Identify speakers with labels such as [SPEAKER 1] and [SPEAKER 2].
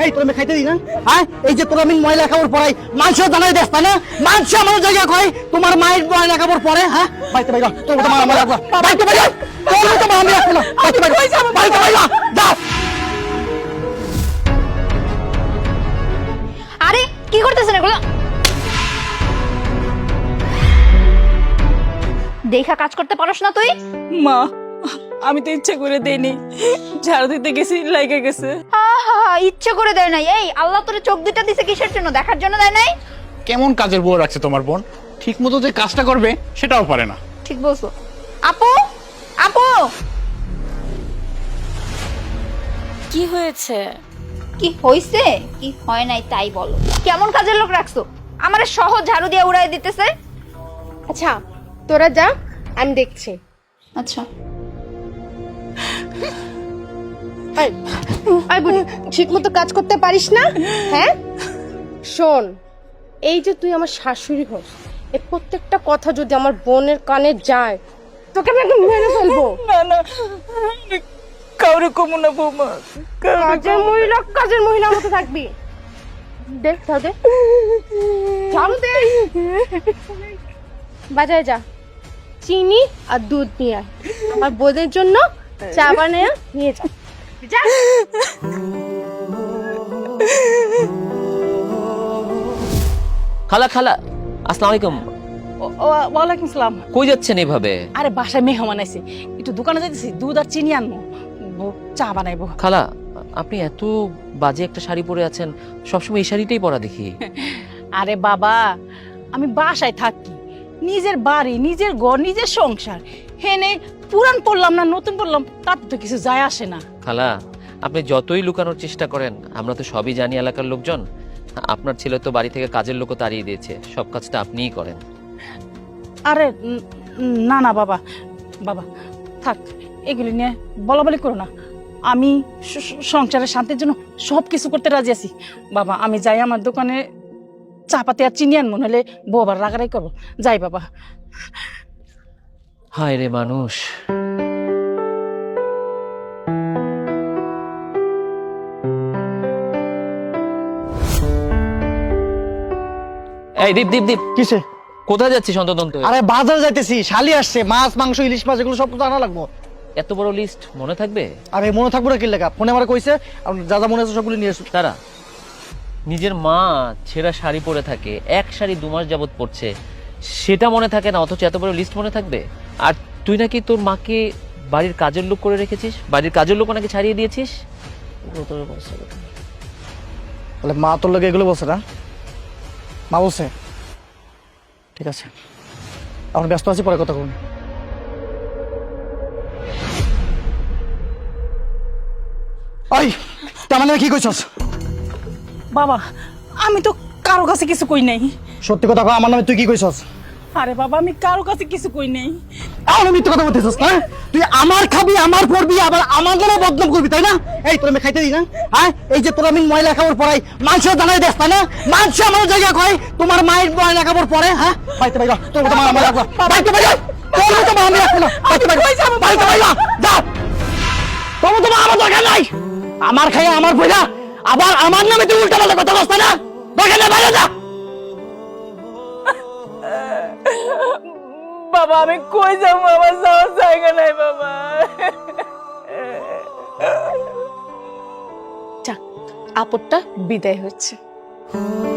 [SPEAKER 1] এই তোর আমি খাইতে দিই না হ্যাঁ এই যে তোর আমি ময়লা খাবার পড়াই মাংস জানাই দেস তাই না মাংস আমার জায়গা কয় তোমার মায়ের ময়লা খাবার পরে হ্যাঁ বাইতে বাইরা তোর তো মা আমার রাখবা বাইতে বাইরা তোর তো মা আমি রাখবো না বাইতে বাইরা বাইতে বাইরা যা
[SPEAKER 2] আরে কি করতেছেন এগুলো? দেখা কাজ করতে পারোস না তুই?
[SPEAKER 3] মা আমি তো ইচ্ছে করে দেইনি, ঝাড়ু দিতে গেছি লাগে গেছে।
[SPEAKER 2] ইচ্ছে করে দেয় নাই। এই আল্লাহ তোরে চোখ দুইটা দিছে কিসের জন্য? দেখার জন্য দেয় নাই?
[SPEAKER 4] কেমন কাজের বউ রাখছে তোমার বোন, ঠিক মতো যে কাজটা করবে সেটাও পারে না।
[SPEAKER 2] ঠিক বলছো। আপু আপু
[SPEAKER 5] কি হয়েছে?
[SPEAKER 2] কি হইছে কি হয় নাই তাই বলো। কেমন কাজের লোক রাখছো? আমারে সহজ ঝাড়ু দিয়ে উড়াই দিতেছে।
[SPEAKER 6] আচ্ছা তোরা যা, আমি দেখছি।
[SPEAKER 2] আচ্ছা
[SPEAKER 6] ঠিক মতো কাজ করতে পারিস না? হ্যাঁ শোন, এই যে তুই আমার শাশুড়ি হোস, এর প্রত্যেকটা কথা যদি আমার বোনের কানে যায় তোকে আমি একদম মেরে ফেলবো।
[SPEAKER 3] না না কাউরে কমু না বৌমা,
[SPEAKER 6] কাজের মহিলার মতো থাকবি। দেখ তাহলে ঝাড়ু দে, বাজারে যা, চিনি আর দুধ নিয়ে আয়, আমার বোনের জন্য চা বানিয়ে নিয়ে যা। যা।
[SPEAKER 7] খালা খালা আসসালামু আলাইকুম।
[SPEAKER 3] ওয়ালাইকুম সালাম।
[SPEAKER 7] কই যাচ্ছেন এভাবে?
[SPEAKER 3] আরে বাসায় মেহমান আছে, একটু দোকানে যাইতেছি, দুধ আর চিনি আনবো, চা বানাইবো।
[SPEAKER 7] খালা আপনি এত বাজে একটা শাড়ি পরে আছেন, সবসময় এই শাড়িটাই পরা দেখি।
[SPEAKER 3] আরে বাবা আমি বাসায় থাকি, নিজের বাড়ি, নিজের ঘর, নিজের সংসার, হেনে পুরান পড়লাম না নতুন পড়লাম তাতে তো কিছু যায় আসে না।
[SPEAKER 7] খালা আপনি যতই লুকানোর চেষ্টা করেন আমরা তো সবই জানি এলাকার লোকজন। আপনার ছেলে তো বাড়ি থেকে কাজের লোকও তাড়িয়ে দিয়েছে, সব কাজটা আপনিই করেন।
[SPEAKER 3] আরে না না বাবা, বাবা থাক এগুলি নিয়ে বলা বলি করো না। আমি সংসারের শান্তির জন্য সব কিছু করতে রাজি আছি। বাবা আমি যাই, আমার দোকানে চা পাতি আর চিনি আনবো, নাহলে বউ আবার রাগারাই করবো। যাই বাবা।
[SPEAKER 7] হায় রে মানুষ। এই দীপ দীপ দীপ,
[SPEAKER 1] কিসে
[SPEAKER 7] কোথায় যাচ্ছিস অন্তদন্ত?
[SPEAKER 1] আরে বাজার যাইতেছি, শালি আসছে, মাছ মাংস ইলিশ মাছ এগুলো সব কিছু আনা লাগবো।
[SPEAKER 7] এত বড় লিস্ট মনে থাকবে?
[SPEAKER 1] আরে মনে থাকবো না কি লেখা, ফোনে আমার কইছে যা যা মনে আছে সবগুলো নিয়ে এসো।
[SPEAKER 7] তারা নিজের মা ছেঁড়া শাড়ি পরে থাকে, এক শাড়ি 2 মাস যাবত পরছে, সেটা মনে থাকে না, অথচ এত বড় লিস্ট মনে থাকবে? আর তুই নাকি তোর মাকে বাড়ির কাজের লোক করে রেখেছিস, বাড়ির কাজের লোক নাকি ছাড়িয়ে দিয়েছিস।
[SPEAKER 1] বলে মা তোর লোক এগুলো বলছে না? মা বলছে? ঠিক আছে, এখন ব্যস্ত আছি, পরে কথা বলুন। ওই তার মানে কি কইছস?
[SPEAKER 3] বাবা আমি তো কারো কাছে কিছু কই নাই।
[SPEAKER 1] সত্যি কথা কও, আমার নামে তুই কি কইছস?
[SPEAKER 3] আরে বাবা আমি কারো কাছে কিছু কই নাই।
[SPEAKER 1] তাহলে মিথ্যে কথা বলতেছস না? তুই আমার খাবি, আমার পড়বি, আবার আমার জন্য বদনাম করবি তাই না? এই তোর আমি খাইতে দিই না হ্যাঁ এই যে তোর আমি ময়লা খাবার পড়াই মাংস জানাই দেস তাই না মাংস আমার জায়গা কয় তোমার মায়ের ময়লা খাবার পরে হ্যাঁ বাইতে বাইরা তোর তো মা আমার রাখবা বাইতে বাইরা তোর তো মা আমি রাখবো না বাইতে বাইরা বাইতে বাইরা যা তোর তো মা আমার দরকার নাই আমার খাইয়া আমার পয়সা আবার আমার নামে তুই উল্টা পাল্টা কথা বলছ না দরকার নাই বাইরে যা
[SPEAKER 3] বাবা আমি কই যাবো, আমার যাওয়ার জায়গা নাই বাবা। যাক আপদটা বিদায় হচ্ছে।